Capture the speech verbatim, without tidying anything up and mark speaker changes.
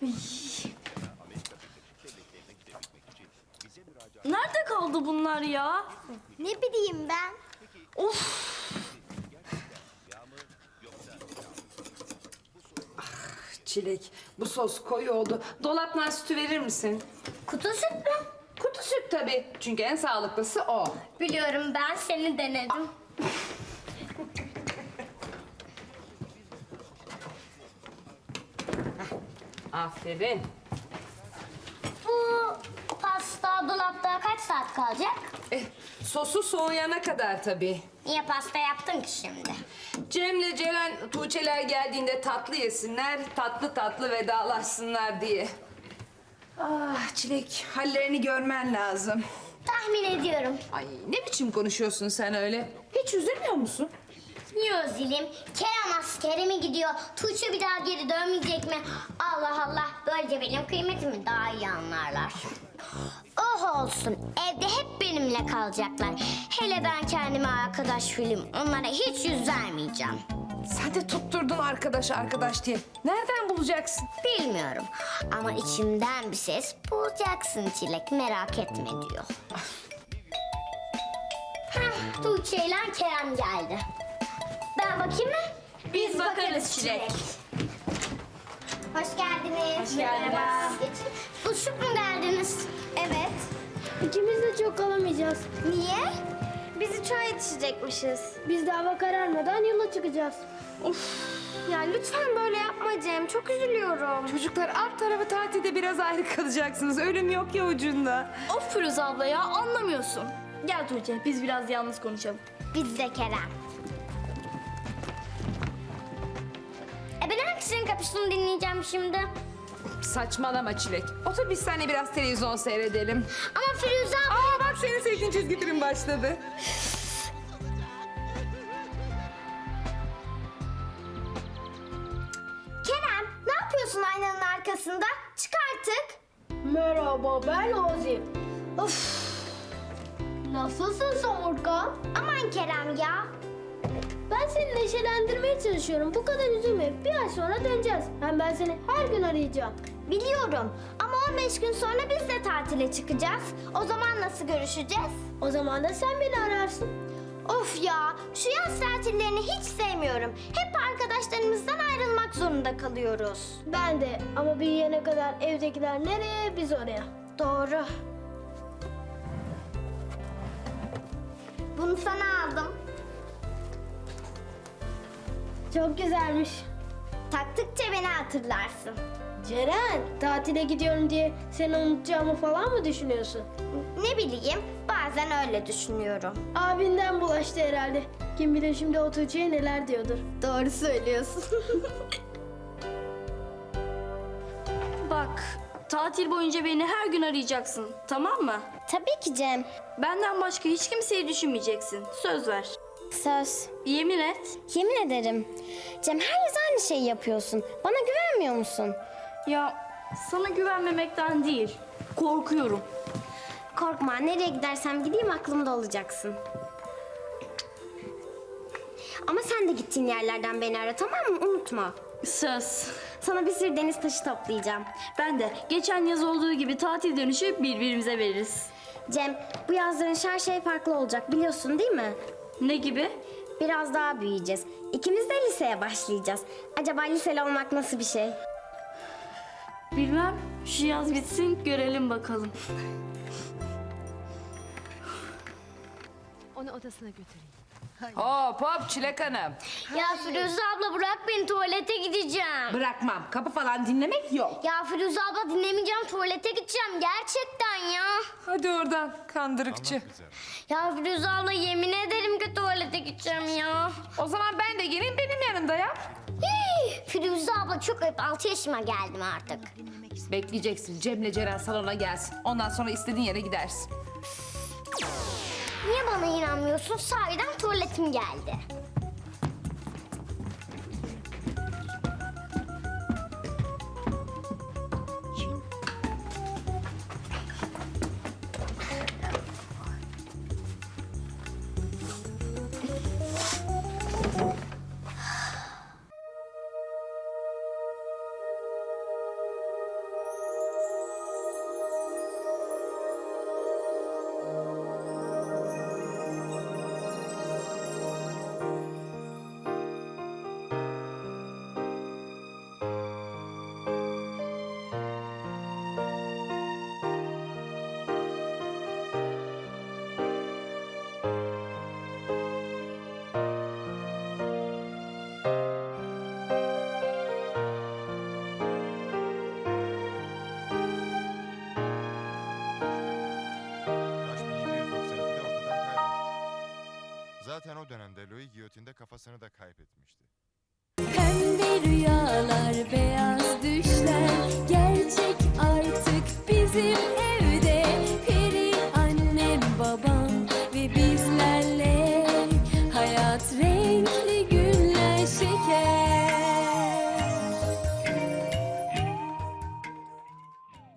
Speaker 1: Nerede kaldı bunlar ya?
Speaker 2: Ne bileyim ben.
Speaker 1: Of!
Speaker 3: Çilek, bu sos koyu oldu. Dolaptan sütü verir misin?
Speaker 2: Kutu süt mü?
Speaker 3: Kutu süt tabii. Çünkü en sağlıklısı o.
Speaker 2: Biliyorum, ben seni denedim.
Speaker 3: Aferin.
Speaker 2: Bu pasta dolapta kaç saat kalacak?
Speaker 3: Eh, sosu soğuyana kadar tabii.
Speaker 2: Niye pasta yaptın ki şimdi?
Speaker 3: Cem'le Ceren, Tuğçeler geldiğinde tatlı yesinler, tatlı tatlı vedalaşsınlar diye. Ah Çilek, hallerini görmen lazım.
Speaker 2: Tahmin ediyorum.
Speaker 3: Ay ne biçim konuşuyorsun sen öyle? Hiç üzülmüyor musun?
Speaker 2: Niye zilim? Kerem askere mi gidiyor? Tuğçe bir daha geri dönmeyecek mi? Allah Allah, böylece benim kıymetimi daha iyi anlarlar. Oh olsun, evde hep benimle kalacaklar. Hele ben kendime arkadaş film, onlara hiç yüz vermeyeceğim.
Speaker 3: Sen de tutturdun arkadaş arkadaş diye. Nereden bulacaksın?
Speaker 2: Bilmiyorum ama içimden bir ses bulacaksın Çilek, merak etme diyor. Heh, Tuğçe ile Kerem geldi. Ben bakayım mı?
Speaker 1: Biz bakarız Çilek.
Speaker 2: Hoş geldiniz.
Speaker 1: Hoş geldiniz.
Speaker 2: Merhaba. Geçin. Buluşup mu geldiniz? Evet.
Speaker 4: İkimiz de çok kalamayacağız.
Speaker 2: Niye? Biz uçağa yetişecekmişiz.
Speaker 4: Biz de hava kararmadan yola çıkacağız.
Speaker 2: Ya lütfen böyle yapma Cem. Çok üzülüyorum.
Speaker 3: Çocuklar alt tarafı tatilde biraz ayrı kalacaksınız. Ölüm yok ya ucunda.
Speaker 1: Of Firuze abla ya, anlamıyorsun. Gel Tuğçe, biz biraz yalnız konuşalım.
Speaker 2: Biz de Kerem. E ben hangisinin kapısını dinleyeceğim şimdi?
Speaker 3: Saçmalama Çilek. Otur biz seninle biraz televizyon seyredelim.
Speaker 2: Ama Firuze abla...
Speaker 3: Aa bak senin sevdiğin çizgi film başladı.
Speaker 2: Kerem, ne yapıyorsun aynanın arkasında? Çık artık.
Speaker 4: Merhaba, ben Ozi. Of. Nasılsın Somurkan?
Speaker 2: Aman Kerem ya.
Speaker 4: Ben seni neşelendirmeye çalışıyorum. Bu kadar üzülme. Bir ay sonra döneceğiz. Hem ben seni her gün arayacağım.
Speaker 2: Biliyorum ama on beş gün sonra biz de tatile çıkacağız. O zaman nasıl görüşeceğiz?
Speaker 4: O zaman da sen beni ararsın.
Speaker 2: Of ya, şu yaz tatillerini hiç sevmiyorum. Hep arkadaşlarımızdan ayrılmak zorunda kalıyoruz.
Speaker 4: Ben de, ama büyüyene kadar evdekiler nereye, biz oraya.
Speaker 2: Doğru. Bunu sana aldım.
Speaker 4: Çok güzelmiş.
Speaker 2: Taktıkça beni hatırlarsın.
Speaker 4: Ceren, tatile gidiyorum diye seni unutacağımı falan mı düşünüyorsun?
Speaker 2: Ne bileyim, bazen öyle düşünüyorum.
Speaker 4: Abinden bulaştı herhalde. Kim bilir şimdi o Tuğçe'ye neler diyordur.
Speaker 2: Doğru söylüyorsun.
Speaker 1: Bak, tatil boyunca beni her gün arayacaksın, tamam mı?
Speaker 2: Tabii ki Cem.
Speaker 1: Benden başka hiç kimseyi düşünmeyeceksin. Söz ver.
Speaker 2: Söz.
Speaker 1: Yemin et.
Speaker 2: Yemin ederim. Cem, her yaz aynı şeyi yapıyorsun. Bana güvenmiyor musun?
Speaker 1: Ya sana güvenmemekten değil, korkuyorum.
Speaker 2: Korkma, nereye gidersem gideyim aklımda olacaksın. Ama sen de gittiğin yerlerden beni ara, tamam mı? Unutma.
Speaker 1: Söz.
Speaker 2: Sana bir sürü deniz taşı toplayacağım.
Speaker 1: Ben de geçen yaz olduğu gibi tatil dönüşü birbirimize veririz.
Speaker 2: Cem, bu yazların her şey farklı olacak, biliyorsun değil mi?
Speaker 1: Ne gibi?
Speaker 2: Biraz daha büyüyeceğiz. İkimiz de liseye başlayacağız. Acaba liseli olmak nasıl bir şey?
Speaker 1: Bilmem. Şu yaz bitsin, görelim bakalım.
Speaker 5: Onu odasına götüreyim.
Speaker 3: Hop hop Çilek Hanım.
Speaker 2: Ya Firuze abla, bırak beni, tuvalete gideceğim.
Speaker 3: Bırakmam. Kapı falan dinlemek yok.
Speaker 2: Ya Firuze abla, dinlemeyeceğim, tuvalete gideceğim gerçekten ya.
Speaker 3: Hadi oradan kandırıkçı.
Speaker 2: Ya Firuze abla, yemin ederim ki tuvalete gideceğim ya.
Speaker 3: O zaman ben de geleyim benim yanımda ya.
Speaker 2: Hii, Firuze abla çok ayıp, altı yaşıma geldim artık.
Speaker 3: Bekleyeceksin. Cem'le Ceren salona gelsin. Ondan sonra istediğin yere gidersin.
Speaker 2: Niye bana inanmıyorsun? Sahiden tuvaletim geldi.
Speaker 5: Zaten o dönemde Louis giyotinde kafasını da kaybetmişti.
Speaker 6: Pembe rüyalar, beyaz düşler gerçek artık bizim ev.